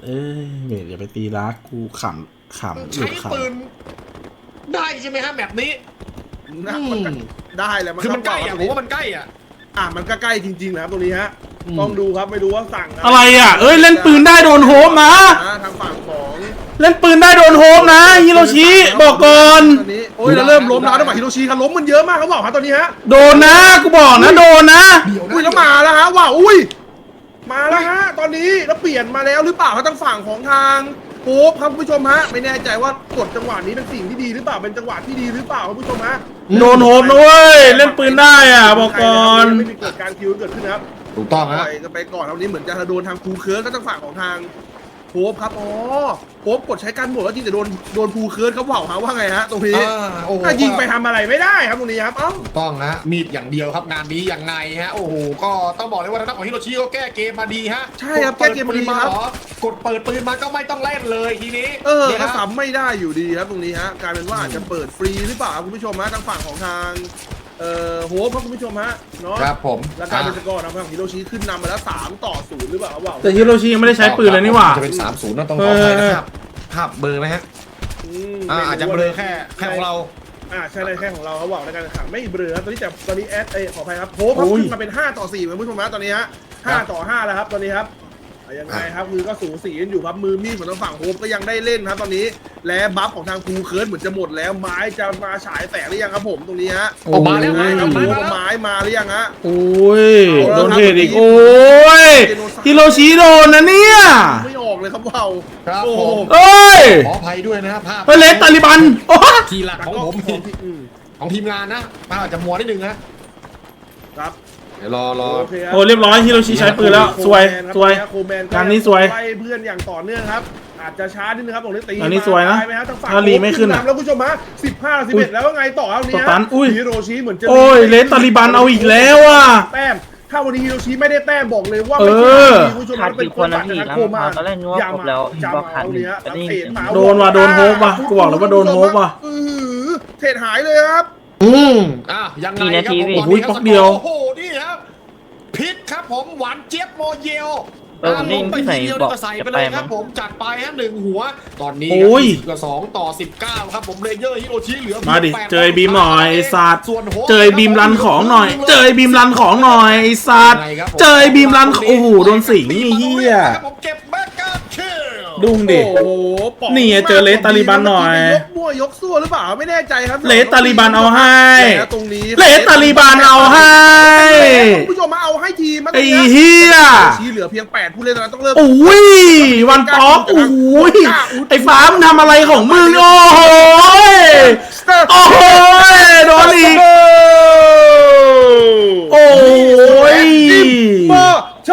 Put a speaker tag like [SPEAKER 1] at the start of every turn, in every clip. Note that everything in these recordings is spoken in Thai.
[SPEAKER 1] อ้ยเมดอย่าไปตีรักกูขำ
[SPEAKER 2] ใช้ปืนได้ใช่ไหมฮะแบบนี้
[SPEAKER 3] มันได้แหละ
[SPEAKER 2] คือมันใกล้อะผมว่ามันใกล้อ่ะ
[SPEAKER 3] มันก็ใกล้จริงๆนะครับตรงนี้ฮะต้องดูครับไม่รู้ว่าสั่ง
[SPEAKER 1] อะไรอ่ะเอ้ยเล่นปืนได้โดนโฮมนะ
[SPEAKER 3] ทางฝั่งของ
[SPEAKER 1] เล่นปืนได้โดนโฮมนะฮิโรชิบอกก่อน
[SPEAKER 3] ตอนนี้โอ้ยเราเริ่มล้มแล้วนะฝั่งฮิโรชิครับล้มมันเยอะมากเขาบอกครับตอนนี้ฮะ
[SPEAKER 1] โดนนะกูบอกนะโดนนะ
[SPEAKER 3] อุ้ยแล้วมาแล้วฮะว้าวอุ้ยมาแล้วฮะตอนนี้แล้วเปลี่ยนมาแล้วหรือเปล่าครับทางฝั่งของทางโป๊ปครับคุณผู้ชมฮะไม่แน่ใจว่ากดจังหวะนี้เป็นสิ่งที่ดีหรือเปล่าเป็นจังหวะที่ดีหรือเปล่าคุณผู้ชมฮะ
[SPEAKER 1] โดนโฮมนะเว้ยเล่นปืนได้อ่ะบอกก่อน
[SPEAKER 3] ไม่มีเกิดการคิวเกิดขึ้นนะครับ
[SPEAKER 2] ถูกต้องฮะ
[SPEAKER 3] จะไปก่อนตอนนี้เหมือนจะโดนทางภูเคิร์สก็ทางฝั่งของทางโป๊ปครับโป๊ปกดใช้การหมดแล้วจริงแต่โดนภูเคิร์สเขาบอกว่าไงฮะตรงนี้ถ้ายิงไปทำอะไรไม่ได้ครับตรงนี้ครับ
[SPEAKER 2] ถูกต้องฮะมีดอย่างเดียวครับงานนี้ยังไงฮะโอ้โหก็ต้องบอกเลยว่าทางด้านของฮิโรชิก็แก้เกมมาดีฮะ
[SPEAKER 3] ใช่ครับแก้เกมมาดีครับ
[SPEAKER 2] กดเปิดปืนมาก็ไม่ต้องเล่นเลยทีนี้
[SPEAKER 3] ก็ซ้ำไม่ได้อยู่ดีครับตรงนี้ฮะกลายเป็นว่าอาจจะเปิดฟรีหรือเปล่าคุณผู้ชมฮะทางฝั่งของทางโหครับคุณผู้ชมฮะเนาะ
[SPEAKER 2] ครับผม
[SPEAKER 3] แล้วการเป็นสกอร์ทางฝั่งฮิโรชิขึ้นนำมาแล้ว3-0หรือเปล่าครับ
[SPEAKER 1] แต่ฮิโรชิยังไม่ได้ใช้ปืนเลยนี่หว่า
[SPEAKER 2] จะเป็น3-0นะต้องขออภัยนะครับภาพเบอร์ไหมฮะอาจจะเบลอแค่ของเรา
[SPEAKER 3] ใช่เลยแค่ของเราเขาบอกในการแข่งขันไม่เบลอครับตอนนี้ขออภัยครับโหครับขึ้นมาเป็น5-4คุณผู้ชมฮะตอนนี้ฮะ5-5แล้วครับตอนนี้ครับยังไงครับคือก็สูสีกันอยู่ครับมือมีดของทางฝั่งโฮมก็ยังได้เล่นครับตอนนี้และบัฟของทางภูเคิร์สเหมือนจะหมดแล้วไม้จะมาฉายแสงหรือยังครับผมตรงนี้ฮะ
[SPEAKER 2] มาแล้วไม้
[SPEAKER 3] มาหรือยังฮะ
[SPEAKER 1] โอ้ยโดนเทอีกโอ้ยฮิโรชิโดนนะเนี่ย
[SPEAKER 3] ไม่ออกเลยครับว้าว
[SPEAKER 2] ครับผม
[SPEAKER 1] เอ้ย
[SPEAKER 2] ขออภัยด้วยนะครับภาพ
[SPEAKER 1] เลสตาลิบัน
[SPEAKER 2] ทีหลักของผมของทีมงานนะภาพอาจจะมัวนิดนึงนะครับเดี๋ยวรอ
[SPEAKER 1] โอ้เรียบร้อยฮิโรชิใช้ปืนแล้วสวยงานนี้สวย
[SPEAKER 3] ไล่เพื่อนอย่างต่อเนื่องครับอาจจะช้านิดนึงครับตรงนี้ตี
[SPEAKER 1] อันนี้สวยนะ
[SPEAKER 3] ถ้า
[SPEAKER 1] รีไม่ขึ้น
[SPEAKER 3] แล้วคุณผู้ชมฮะ15-11แล้วว่าไงต่อครับนี้ฮิโรชิเหมือนจะ
[SPEAKER 1] โอ้ยเลสตาลิบันเอาอีกแล้วอ่ะ
[SPEAKER 3] แต้มถ้าวันนี้ฮิโรชิไม่ได้แต้มบอกเลยว่าไม่ใช่ผู้ชมเป็นคนตัดจากโคมา
[SPEAKER 4] อย่ามา
[SPEAKER 3] เอาเนี้ย
[SPEAKER 1] โดนว่ะโดนโฮปว่ะกูบอกเลยว่าโดนโฮปว่ะ
[SPEAKER 3] เทรดหายเลยครับ
[SPEAKER 2] ยังไงครับผมตอนนี้ครับโอ้โหนี่ครับพิษครับผมหวานเจี๊ยบโมเยลลงไปทีเดียวก็ใส่ไปเลยครับผมจัดไปฮะ1หัวตอนนี้กับ2-19ครับผมเลเยอร์ฮิโรชิเหลือ
[SPEAKER 1] มาดิเจอบีมหน่อยไอ้สัตว์เจอบีมรันของหน่อยเจอบีมรันของหน่อยไอ้สัตว์เจอบีมรันโอ้โหโดนสิงนี่เฮียดุ้งดินี่เจอเลสตาลิบันหน่อย
[SPEAKER 3] ยกมั่วยกซั่วหรือเปล่าไม่แน่ใจครับ
[SPEAKER 1] เลสตาลิบันเอาให้
[SPEAKER 3] ตรงนี้
[SPEAKER 1] เลสตาลิบันเอาให้
[SPEAKER 3] ผู้ชมมาเอาให้ทีม
[SPEAKER 1] ไอ้เฮีย
[SPEAKER 3] ชี้เหลือเพียง8ผู้เล่นแล้วต้องเริ่ม
[SPEAKER 1] โอ้ยวันป๊อปโอ้ยไอ้ฟ้ามึงทำอะไรของมึงโอ้โหโอ้โหโดนอีกโอ้ย
[SPEAKER 3] โช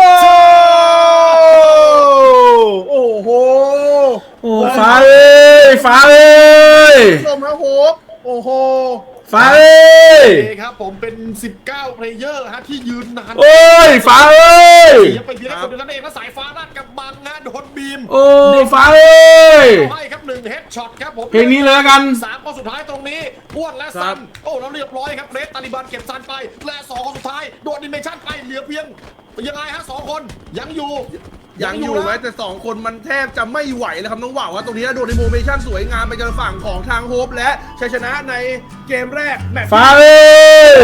[SPEAKER 3] โอ้โห
[SPEAKER 1] โอ้ฟ้าเอ้ยฟ้าเอ้ย
[SPEAKER 3] ชมครับโหโอ้โห
[SPEAKER 1] ฟ้าเอ้ย
[SPEAKER 2] ครับผมเป็น19เพลเยอร์ฮะที่ยืนนาน
[SPEAKER 1] โอ้ยฟ้าเอ้ย
[SPEAKER 2] ไปเพียงคนเดียวนั่นเองแล้วสายฟ้าด้านกับบังนะโดนบีม
[SPEAKER 1] โอ้ฟ้าเอ้ย
[SPEAKER 2] ให้ครับ1เฮดช็อตครับผม
[SPEAKER 1] เพลงนี้เลยกัน
[SPEAKER 2] 3คนสุดท้ายตรงนี้อ้วนและซันโอ้แล้วเรียบร้อยครับเลสตาลิบันเก็บซันไปและ2คนสุดท้ายโดนดิเมชั่นไปเหลือเพียงยังไงฮะ2คนยังอยู่
[SPEAKER 3] ไหมแต่2คนมันแทบจะไม่ไหวแล้วครับน้องว่าวว่าตรงนี้โดนในโมเมชั่นสวยงามไปจนฝั่งของทางโฮปและชัยชนะในเกมแรกแมตช์
[SPEAKER 1] ฟ้าเอ้ย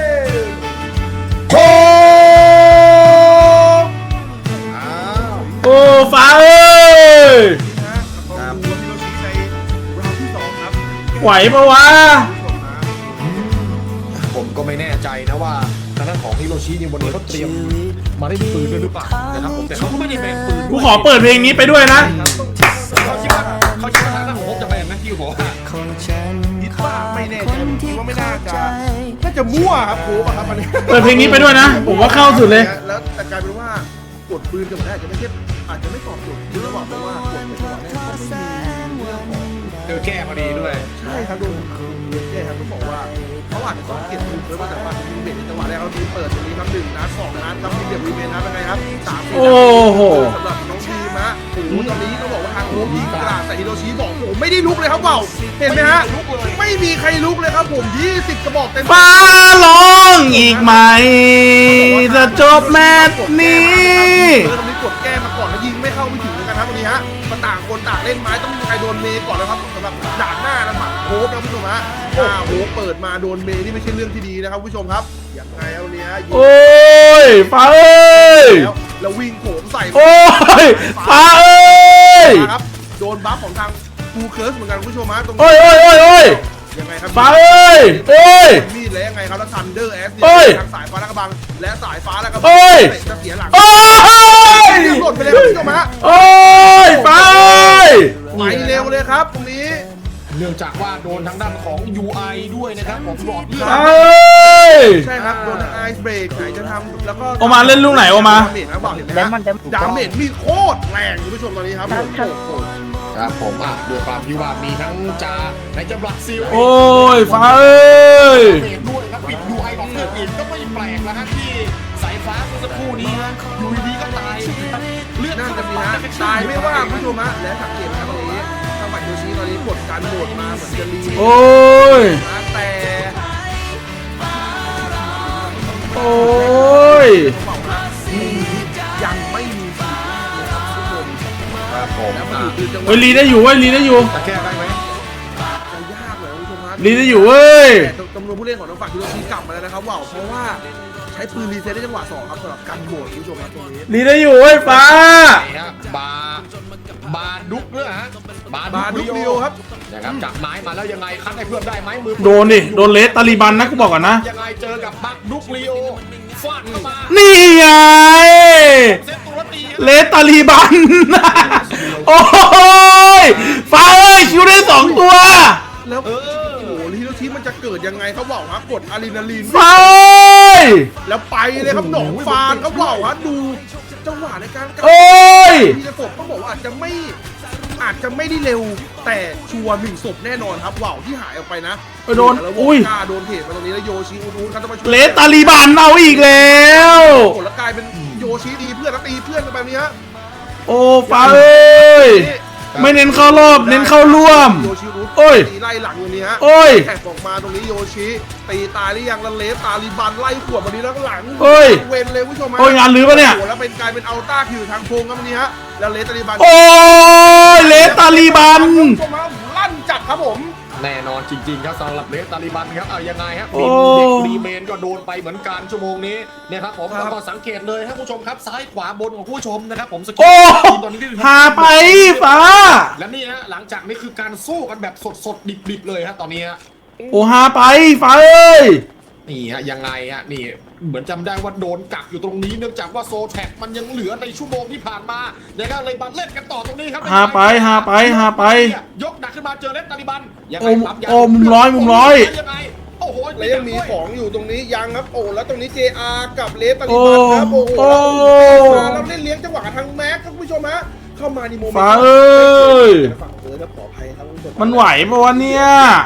[SPEAKER 1] โอ้ฟ้าเอ้ยไหวปะวะ
[SPEAKER 2] ผมก็ไม่แน่ใจนะว่าทางด้านของฮิโรชินี่วันนี้เขาเตรียมมาได้ปืนด้วยหรือเปล่านะครับผมแต่เขาก็ไม่ได้แบนปืน
[SPEAKER 1] กูขอเปิดเพลงนี้ไปด้วยนะ
[SPEAKER 2] เขาคิดว่าทางด้านของผมจะแบนไหมที่บอกว่า
[SPEAKER 3] คิดว่าไม่แน่ใจผมว่าไม่น่าจะมั่วครับโค้ครับอันนี้
[SPEAKER 1] เปิดเพลงนี้ไปด้วยนะผมว่าเข้าสุดเลย
[SPEAKER 3] แล้วแต่กลายเป็นว่ากดปืนกับมันอาจจะไม่ตอบโจทย์คือระหว่างเพราะว่ากดไปก่อนแน่
[SPEAKER 2] เจอแก้มาดีด้วย
[SPEAKER 3] ใช่ครับดูแก้ครับต้องบอกว่าเขาอาจจะเก็บปืนเพื่อว่าแต่ว่ายิงเบรกในจังหวะแรกเขาดีเปิดตรงนี้ครับ1 นัด 2 นัดครับมีเก็บรีเมนนะเป็นไงครับ3
[SPEAKER 1] โอ้โห
[SPEAKER 3] สำหรับน้องทีมฮะโอ้โหตอนนี้ต้องบอกว่าทางโฮมยิงกราดแต่ฮิโรชิบอกโอ้ไม่ได้ลุกเลยครับเปล่าเห็นไหมฮะไม่มีใครลุกเลยครับผม20 กระบอกเต็ม
[SPEAKER 1] ฟ้าร้องอีกไหมจะจบแมตช์นี้
[SPEAKER 3] ตอนนี้กดแก้มาก่อนแล้วยิงไม่เข้าไม่ถึงกันครับตรงนี้ฮะมาต่างคนต่างเล่นไม้ต้องมีใครโดนเมย์ก่อนนะครับสำหรับด่านหน้านะฝั่งโค้ชนะผู้ชมฮะโค้ชเปิดมาโดนเมย์นี่ไม่ใช่เรื่องที่ดีนะครับผู้ชมครับอย่างไงเอาเนี้ย
[SPEAKER 1] โอ้ยฟ้าเอ้ย
[SPEAKER 3] แล้ววิ่งโผล่ใส่
[SPEAKER 1] โอ้ยฟ้าเอ้ย
[SPEAKER 3] ครับโดนบัฟของทางฟูเคิร์สเหมือนกันผู้ชมฮะตรงนี้
[SPEAKER 1] โอ้ย
[SPEAKER 3] ยังไงครับ
[SPEAKER 1] ฟ้าเอ้ย
[SPEAKER 3] มีดแล้วยังไงครับแล้วทันเดอร์แอสทางสายฟ้าและกระบังและสายฟ้าและกระบังจะเสียหลังหล่นไปเลยครับผู้ชมฮะ
[SPEAKER 1] โอ้ยฟ้า
[SPEAKER 3] ไปเร็วเลยครับตรงนี้
[SPEAKER 2] เนื่องจากว่าโดนทางด้านของ UI ด้วยนะครับผมหลอดเลือด
[SPEAKER 3] ใช่ครับโดนไอซ์เบรกไหนจะทำแล้วก็
[SPEAKER 1] โอมาเล่นลูกไหนโอมา
[SPEAKER 3] ดาเมจมีโคตรแรงคุณผู้ชมตอนนี้ครับ
[SPEAKER 2] ครับผมด้วยความที่ว่ามีทั้งจ่าในจังหวัดซิล
[SPEAKER 1] โอ้ยฟ้าเอ้ย
[SPEAKER 2] ด้วยครับปิด UI หลอดเลือดอีกก็ไม่แปลกแล้วครับที่สายฟ้าเมื่อสักครู่นี้ฮะอยู่ดีก็ตายเลือด
[SPEAKER 3] น่าจะมีฮะตายไม่ว่าคุณผู้ชมฮะและสังเกตครับตรงนี้ทางฝั่งโยชิตอนนี้กดการโหมดมาเหมือนจะรี
[SPEAKER 1] โอ้ย
[SPEAKER 3] แต่
[SPEAKER 1] โอ้ย
[SPEAKER 3] ยังไม่มีสีนะครับทุกคน
[SPEAKER 2] ครับผม
[SPEAKER 1] เฮ้ยรีได้อยู่เว้ยรีได้อยู่
[SPEAKER 2] จะแก้ได้ไหม
[SPEAKER 3] จะยากเลยคุณผู้ชมฮะ
[SPEAKER 1] รีได้อยู่เว้ย
[SPEAKER 3] จำนวนผู้เล่นของทางฝั่งโยชิกลับมาแล้วนะครับว้าวเพราะว่าใช้ปืนรีเซ็ตได้จังหวะ2ครับสำหรับการโหมดคุณผู้ชมครับตรงนี้
[SPEAKER 1] รีได้อยู่เว้ยฟ้า
[SPEAKER 2] บาดุกเนี่ยฮะบาดุก
[SPEAKER 3] เดียวครับ
[SPEAKER 2] นะครับจับไม้มาแล้วยังไงคัดให้เพื่อนได้ไหมมือ
[SPEAKER 1] โดนดิโดนเลสตาลีบันนะกูบอกก่อนนะ
[SPEAKER 2] ยังไงเจอกับบาดุกลีโอฟาดเข้ามา
[SPEAKER 1] นี่ไงเลสตาลีบันโอ้ยฟ้าเอ้ยคิวได้2ตัว
[SPEAKER 3] แล้วโอ้โหฮิโรชิมันจะเกิดยังไงเขาบอกครับกดอะดรีนาลีน
[SPEAKER 1] ฟ้า
[SPEAKER 3] แล้วไปเลยครับหนองฟานเขาบอกว่าดูจังหวะในการ
[SPEAKER 1] โอ้ย
[SPEAKER 3] ที่จะศพต้องบอกว่าอาจจะไม่ได้เร็วแต่ชัวร์1ศพแน่นอนครับว่าวที่หายออกไปนะ
[SPEAKER 1] โดนอุ้ย
[SPEAKER 3] โดนเทมาตรงนี้แล้วโยชิอูครับต้องมาช่วย
[SPEAKER 1] เลสตาลีบันเอาอีกแล้ว
[SPEAKER 3] โอ้แล้วกลายเป็นโยชิดีเพื่อนแล้วตีเพื่อนกันแบบนี้ฮะ
[SPEAKER 1] โอ้ฟ้าเอ้ยไม่เน้นเข้ารอบเน้นเข้าร่วม
[SPEAKER 3] โยชิรูตีไล่หลังตรงนี้ฮะแข่งออกมาตรงนี้โยชิตีตายหรือยังแล้วเลสตาลีบันไล่ขวดแบบนี้แล้วหลังเวนเลยผู้ชมฮะ
[SPEAKER 1] งานลื้อปะเนี่ย
[SPEAKER 3] แล้วเป็นกลายเป็นอัลต้าคิวทางโพงครับวันนี้ฮะแล้วเลสตาลีบัน
[SPEAKER 1] โอ้ยเลสตาลีบัน
[SPEAKER 3] ลั่นจัดครับผม
[SPEAKER 2] แน่นอนจริงๆครับสำหรับเลสตาลีบันครับเอายังไงครับเด็กรีเมนก็โดนไปเหมือนกันชั่วโมงนี้เนี่ยครับผมแล้วก็สังเกตเลยครับผู้ชมครับซ้ายขวาบนของผู้ชมนะครับผมสกิล
[SPEAKER 1] ตอนนี้หาไปฟ้า
[SPEAKER 2] และนี่ฮะหลังจากนี้คือการสู้กันแบบสดๆดิบๆเลยฮะตอนนี้
[SPEAKER 1] โอ้หาไปฟ้าเอ้ย
[SPEAKER 2] นี่ฮะยังไงฮะนี่เหมือนจำได้ว่าโดนกักอยู่ตรงนี้เนื่องจากว่าโซแท็กมันยังเหลือในชั่วโมงที่ผ่านมาเนี่ยก็เลยมาเล่นกันต่อตรงนี้ครับ
[SPEAKER 1] หาไป
[SPEAKER 2] ยกหนักขึ้นมาเจอเลสตาลีบัน
[SPEAKER 1] โอ้มุมร้อย
[SPEAKER 2] ยังไงโอ้โห
[SPEAKER 3] แล้วยังมีของอยู่ตรงนี้ยังครับโอ้แล้วตรงนี้ JR กับเลสตาลีบันครับโอ้โหแล้วเล่นเลี้ยงจังหวะทางแม็กครับผู้ชมฮะเข้ามาในโมเมนต์
[SPEAKER 1] ฟ้าเอ้ย
[SPEAKER 3] ฝั่งแล้วขออภัยครับผู้ชม
[SPEAKER 1] มันไหวปะวะเนี่ย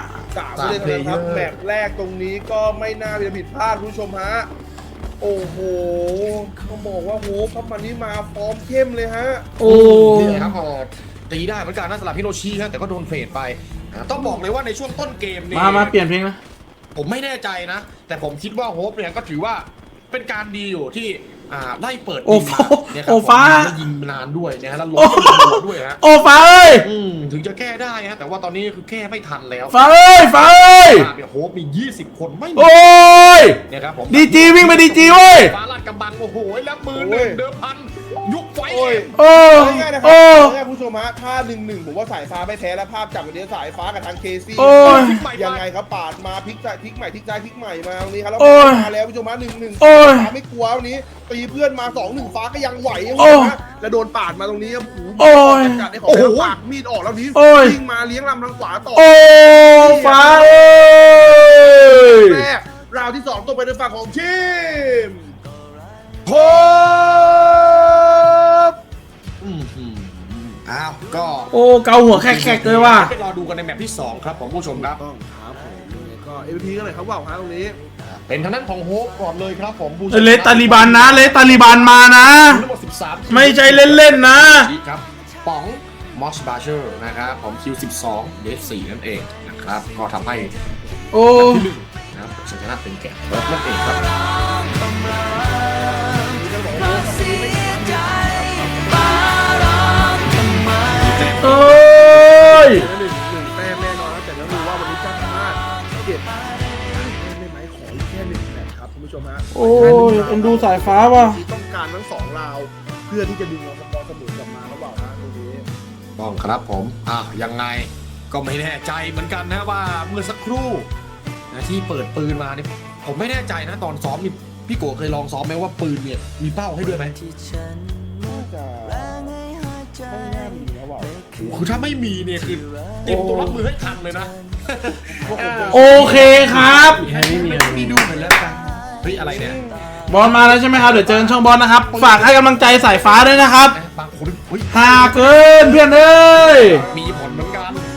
[SPEAKER 3] 3เลยนะครับแมตช์แรกตรงนี้ก็ไม่น่าจะผิดพลาดผู้ชมฮะโอ้โหเขาบอกว่าโหพับมันนี้มาฟอร์มเข้มเลยฮะ
[SPEAKER 1] โอ้
[SPEAKER 2] นี่ครับพอตีได้เหมือนกันนะสำหรับฮิโรชินะแต่ก็โดนเฟดไปต้องบอกเลยว่าในช่วงต้นเกมนี่
[SPEAKER 1] มาเปลี่ยนเพลงนะ
[SPEAKER 2] ผมไม่แน่ใจนะแต่ผมคิดว่าโฮปเนี่ยก็ถือว่าเป็นการดีอยู่ที่ไล่เปิด
[SPEAKER 1] โอ้ฟ้า
[SPEAKER 2] ยิงนานด้วยนะฮะแล้วล้มด้วยฮะ
[SPEAKER 1] โอ้ฟ้าเอ้ย
[SPEAKER 2] ถึงจะแก้ได้ฮะแต่ว่าตอนนี้คือแก้ไม่ทันแล้ว
[SPEAKER 1] ฟ้าเอ้ย
[SPEAKER 2] เนี่ยโฮปมี20คนไม่
[SPEAKER 1] โอ้ย
[SPEAKER 2] เนี่ยครับผม
[SPEAKER 1] ดีจีวิ่งไปดีจีเว้ย
[SPEAKER 2] ฟ้าลาดกำบังโอ้โหแล้วมือหนึ่งเดิมพันยุคไฟ
[SPEAKER 3] ง่ายๆนะครับผู้ชมฮะถ้า1-1ผมว่าสายฟ้าไม่แท้แล้วภาพจับวันนี้สายฟ้ากับทางเคซี่ยังไงครับปาดมาพลิกใหม่มาตรงนี้ครับแล้วมาแล้วผู้ชมฮะ1-1ฟ้าไม่กลัววันนี้ตีเพื่อนมา2-1ฟ้าก็ยังไหวนะแล้วโดนปาดมาตรงนี้
[SPEAKER 1] โอ้ย
[SPEAKER 3] จัดได้ของปากมีดออกแล้วนี้ยิงมาเลี้ยงลำทางขวาต่อ
[SPEAKER 1] โอ้ฟ้า
[SPEAKER 3] แรกราวที่2ตกไปในฝั่งของทีมโฮป
[SPEAKER 2] อ้าวก็
[SPEAKER 1] โอ้เกาหัวแขกเลยว่ะ
[SPEAKER 2] รอดูกันในแมตช์ที่2ครับของผู้ชมครับ
[SPEAKER 3] ต้องครับผมก็MVPกันเลยครับว่าวฮะตรงนี้
[SPEAKER 2] เป็นทางด้านของโฮปก่อนเลยครับผม
[SPEAKER 1] เลสตาลีบันนะเลสตาลีบันมานะไม่ใช่เล่นๆนะครับ
[SPEAKER 2] ป๋องมอสบาเชอร์นะครับผมคิว12เดส4นั่นเองนะครับก็ทำให้ที่1นะครับชนะเป็นแก่เบิร์ดนั่นเองครับ
[SPEAKER 1] โอ้ยเอ็นดูสายฟ้าว่ะ
[SPEAKER 3] ต้องการทั้ง2ราวเพื่อที่จะดึงเอาสปอร์ตสมุนกลับมาเขาบอกนะตรงนี้
[SPEAKER 2] ต้องครับผมยังไงก็ไม่แน่ใจเหมือนกันนะว่าเมื่อสักครู่นะที่เปิดปืนมาเนี่ยผมไม่แน่ใจนะตอนซ้อมนี่พี่โกเคยลองซ้อมไหมว่าปืนเนี่ยมีเป้าให้ด้วยไหม
[SPEAKER 3] น่าจะไม่น่ามีแล้วบอก
[SPEAKER 2] คือถ้าไม่มีเนี่ยคือเตรียมตัวรับมือให้ทันเลยนะ
[SPEAKER 1] โอเคครับ
[SPEAKER 2] ไม่มีดูเหมือนแล้วกันเฮ้ยอะไรเนี่ย
[SPEAKER 1] บอลมาแล้วใช่ไหมครับเดี๋ยวเจอกันช่องบอลนะครับฝากให้กำลังใจสายฟ้าด้วยนะครับ
[SPEAKER 2] บางคนเฮ้ย
[SPEAKER 1] หาเกินเพื่อนเอ้ย
[SPEAKER 2] มี